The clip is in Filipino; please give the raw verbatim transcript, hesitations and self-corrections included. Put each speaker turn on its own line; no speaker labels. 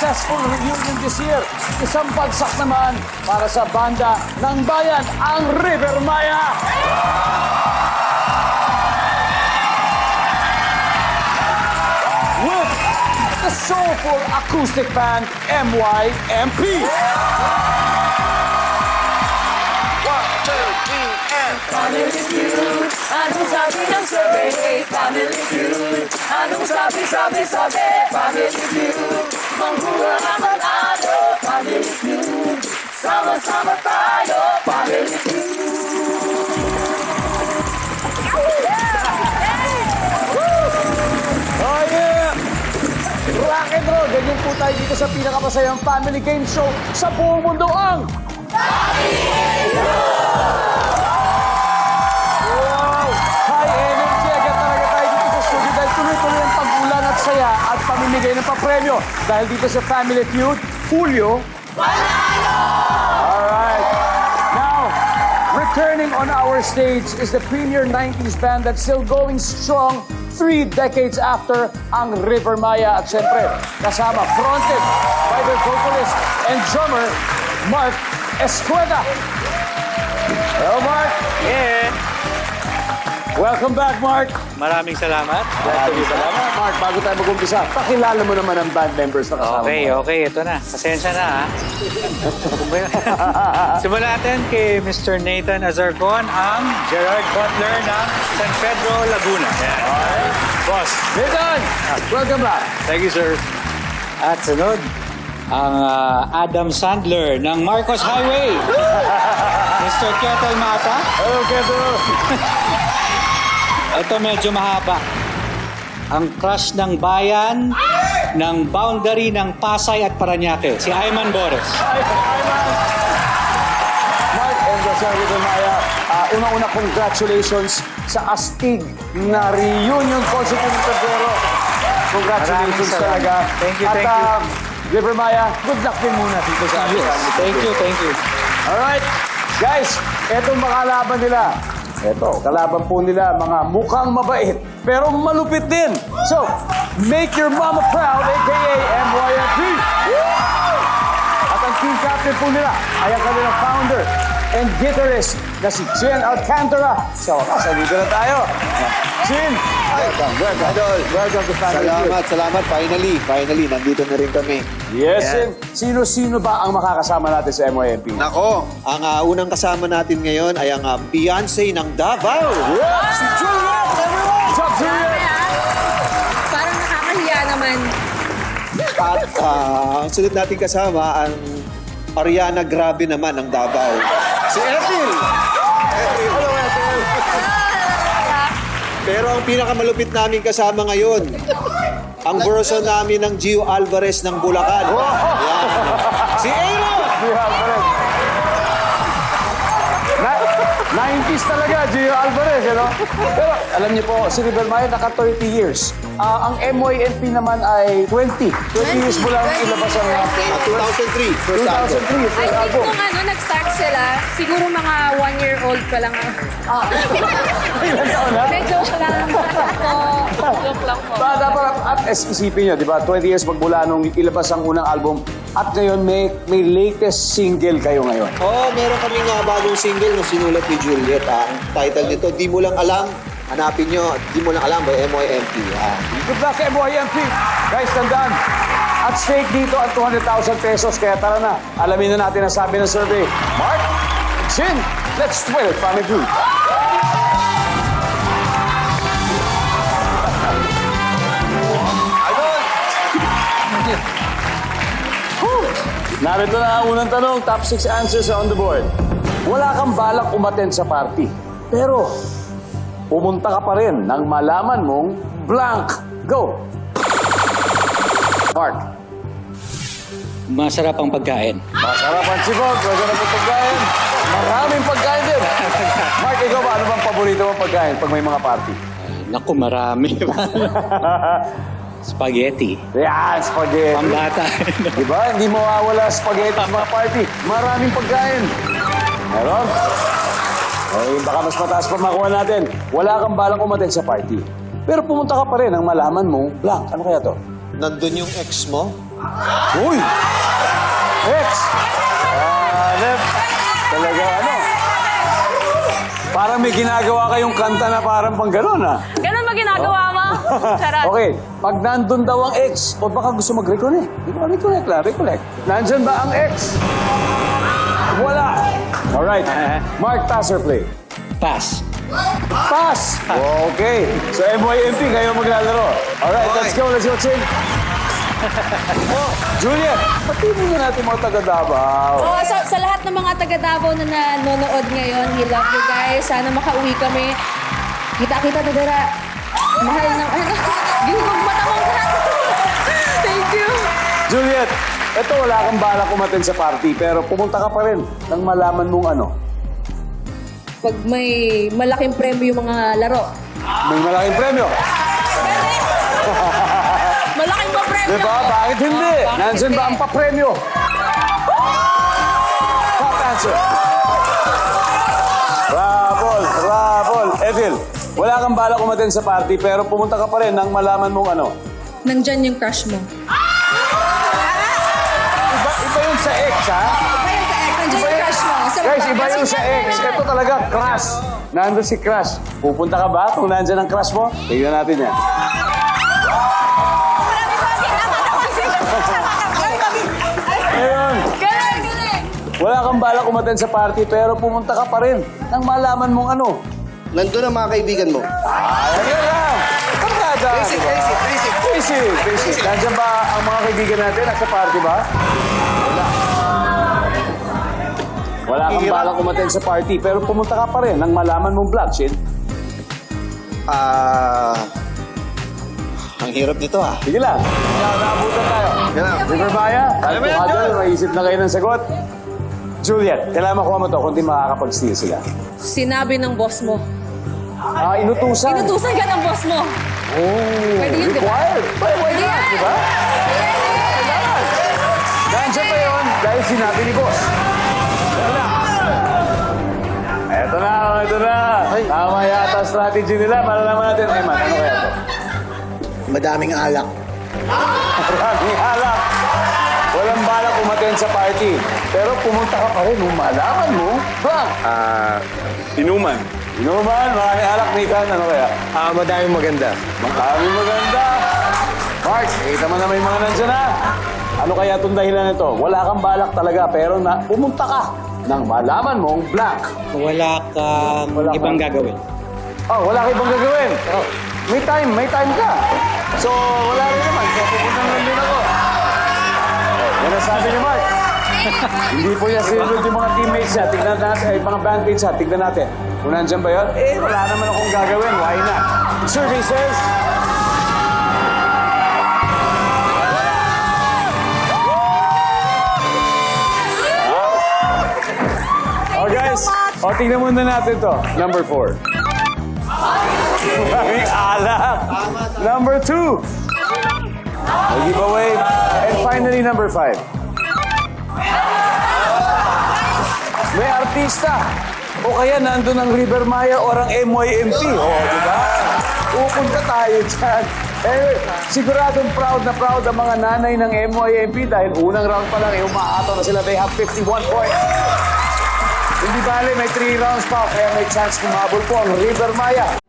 successful reunion this year. Isang bagsak naman para sa banda ng bayan, ang River Maya. With the soulful acoustic band M Y M P.
One, two, three, and...
Family feud, anong sabi ng survey? Family feud, anong sabi, sabi, sabi? Family feud, mangguha ang manalo. Family feud, sama-sama tayo. Family feud.
Oh yeah! Rock and roll! Ganyan po tayo dito sa pinakapasayang family game show sa buong mundo ang... Wow! High energy! Agad talaga tayo dito sa studio dahil tuloy-tuloy ang pag-ulan at saya at pamimigay ng papremyo. Dahil dito sa Family Feud, Julio... Alright. Now, returning on our stage is the premier nineties band that's still going strong three decades after ang River Maya. At syempre, kasama, fronted by the vocalist and drummer, Mark Escueda. Hello, Mark.
Yeah.
Welcome back, Mark.
Maraming salamat.
Maraming salamat. Mark, bago tayo mag-umpisa, pakilala mo naman ang band members na kasama
Okay,
mo.
okay. Ito na. Pasensya na, ha? Simulan natin kay Mister Nathan Azarcon, ang Gerard Butler ng San Pedro, Laguna. Yan.
Alright.
Boss.
Nathan, welcome back.
Thank you, sir. At sunod, ang ah, Adam Sandler ng Marcos Highway. Mister Ketel Mata.
Hello, Keto.
Ito medyo mahaba. Ang crush ng bayan ng boundary ng Pasay at Parañaque, si Ayman Bores.
Hi, hi, Mark. Mark and Jose River Maya, uh, unang-una congratulations sa astig na reunion concert ng Febrero. Congratulations
Maraming salamat.
talaga.
Thank you,
At,
thank you.
um, River Maya, good luck din muna dito sa ating family.
Thank you, thank you.
Alright, guys, etong makalaban nila. Eto, kalaban po nila, mga mukhang mabait, pero malupit din. So, make your mama proud, a k a. M Y M P. At ang team captain po nila ay ang kanilang founder and guitarist na si Jen Alcantara. So, salida na tayo. Jen, welcome, welcome.
Idol.
Welcome to Family
Salamat, salamat. Finally, finally, nandito na rin kami.
Feud. Yes, Jen. Sino-sino ba ang makakasama natin sa M Y M P?
Nako, ang ah, unang kasama natin ngayon ay ang ah, Beyonce ng Davao.
Si Juliet, everyone! What's up, Juliet?
Parang nakakahiya naman.
At ah, ang sunod natin kasama, ang Ariana Grabe naman ng Davao. Si Ethel.
Hello, Ethel.
Pero ang pinakamalupit namin kasama ngayon, ang version namin ng Gio Alvarez ng Bulacan. Yan. Si Aaron.
Gio Alvarez. Na- nineties talaga, Gio Alvarez, you know? Pero alam niyo po, si River Maya naka thirty years. Ah, ang M Y M P naman ay twenty. twenty years mo lang ilabas ang
Ah, two thousand three, first
two
album.
thousand three,
I
first
think
album.
kung ano, nag-start sila, siguro mga one-year-old pa lang. Ah.
Ilan taon na?
Medyo lang. Po. Joke lang po.
Ba, dapat at is- isipin niyo, di ba? twenty years magmula nung ilabas ang unang album. At ngayon, may, may latest single kayo ngayon.
Oo, meron kami nga bagong single na sinulat ni Juliet. Ah. Ang title nito, Di Mo Lang Alam. Hanapin nyo, Di Mo Lang Alam by M Y M P. Ah.
Good luck, M Y M P. Guys, tandaan. At stake dito ang two hundred thousand pesos. Kaya tara na, alamin na natin ang sabi ng survey. Mark, Chin, let's twirl, Family Feud. Narito na ang unang tanong. Top six answers are on the board. Wala kang balak umattend sa party. Pero, pumunta ka pa rin nang malaman mong blank. Go! Mark.
Masarap ang pagkain.
Masarap ang sibog. Masarap ang pagkain. Maraming pagkain din. Mark, ikaw ba? Ano bang paborito mong pagkain pag may mga party?
Naku, marami. Spaghetti.
Yan, spaghetti.
Pambata.
Diba? Hindi mawawala spaghetti sa mga party. Maraming pagkain. Meron? Okay, baka mas mataas pa makuha natin. Wala kang balang umaten sa party. Pero pumunta ka pa rin ang malaman mong blank. Ano kaya to?
Nandun yung ex mo,
Uy! X! Hanep! Talaga ano? Parang may ginagawa kayong kanta na parang pang gano'n, ha?
Ganun ba ginagawa mo? Charot.
Okay, pag nandun daw ang X, o baka gusto mag-reconnect. Hindi ko reconnect lang, recollect. Nandyan ba ang X? Wala. Alright. Mark, pass or play?
Pass.
Pass! Okay. So, M Y M P, kayo maglalaro. Alright, let's go. Let's go, Chin. Oh, Juliet, pati mo na natin mga taga-Davao.
Oh, sa, sa lahat ng mga taga Davao na nanonood ngayon, we love you guys. Sana makauwi kami. Kita-kita na dara. Mahal ng ano. Gihugog mata mong lahat. Thank you.
Juliet, eto wala kang balak umaten sa party, pero pumunta ka pa rin nang malaman mong ano.
Pag may malaking premyo yung mga laro.
May malaking premyo.
Malaking pa premyo.
Di ba? Bakit hindi? Nandyan ba ang papremyo? Top answer. Rabol, rabol. Edil, wala kang balak umaten sa party, pero pumunta ka pa rin nang malaman mong ano.
Nandyan yung crush mo.
Iba, iba yun sa ex, ha?
Iba yung sa ex. Nandyan yung crush mo. So,
Guys, iba yung sa ex. Ito talaga, crush. Nandun si crush. Pupunta ka ba kung nandyan ang crush mo? Tignan natin yan. Ayun.
Galing, galing.
Wala kang balak umaten sa party, pero pumunta ka pa rin nang malaman mong ano.
Nandun ang mga kaibigan mo.
Ayun lang. Pagkada.
Basic, basic, basic.
Basic, basic. Nandyan ba ang mga kaibigan natin? Nasa party ba? Wala. Wala kang
Hirap.
balak umaten sa party, pero pumunta ka pa rin nang malaman mong vlog, Shin.
Ah... ang hirap nito ah.
Sige lang. Naabutan tayo.
Yan lang.
River Maya,
Alam mo yan,
Adel,
Joel.
maisip na kayo ng sagot. Juliet, kailangan makuha mo to kung di makakapag-steal sila.
Sinabi ng boss mo.
Ah, inutusan.
Inutusan ka ng boss mo.
Oh,
Pwede yun, di ba?
required. Why, why not, di ba? Kailangan. Nandiyan pa yun dahil sinabi ni boss. Wala. Eto na, eto na. Tama yata ang strategy nila. Malalaman natin. Eman, ano kaya to?
Madaming alak.
Maraming alak. Walang balak umaten sa party. Pero pumunta ka pa rin nung malaman mo, bang?
Ah, inuman.
Inuman, maraming alak, Nathan. Ano kaya?
Ah, madaming maganda.
Maraming maganda. Mark, kita mo na may mga nandyan na. Ano kaya itong dahilan nito? Wala kang balak talaga, pero na, pumunta ka nang malaman mong blank.
Wala kang
Wala ka.
ibang gagawin.
Oh, wala ka ibang gagawin. Oh, may time, may time ka. So, wala rin naman. So, pupunta lang din ako. Yan ang sabi ni Mark. Hindi po niya sinunod yung mga teammates niya. Tignan natin, ay, mga bandmates niya. Tignan natin. Kung nandyan ba yun? Eh, wala naman akong gagawin. Why not? Survey says... Oh, guys. O, tingnan muna natin to. Number four. Maraming alak. Number two. May giveaway. And finally, number five. May artista. O kaya nandun ang River Maya or ang M Y M P. O, di ba? Pupunta tayo dyan. Anyway, siguradong proud na proud ang mga nanay ng M Y M P dahil unang round pa lang, eh, umaataw na sila. They have fifty-one points. Hindi bale, may three rounds pa, kaya may chance kumabol po ang River Maya.